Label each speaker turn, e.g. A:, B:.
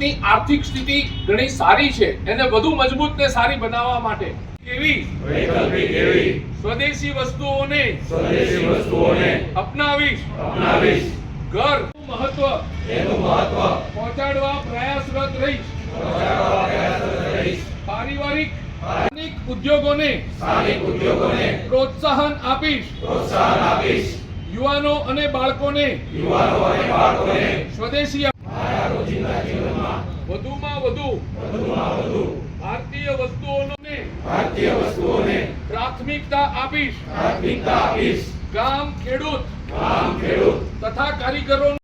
A: દેશની આર્થિક સ્થિતિ ઘણી સારી છે, એને વધુ મજબૂત ને સારી બનાવવા માટે એવી સ્વદેશી વસ્તુઓને અપનાવીશ ઘર મહત્વ પહોંચાડવા પ્રયાસરત રહીશ। પારિવારિક સ્થાનિક ઉદ્યોગોને પ્રોત્સાહન આપીશ। યુવાનો અને બાળકોને સ્વદેશી વધુમાં વધુ ભારતીય વસ્તુઓને પ્રાથમિકતા આપીશ। ગામ ખેડૂત તથા કારીગરો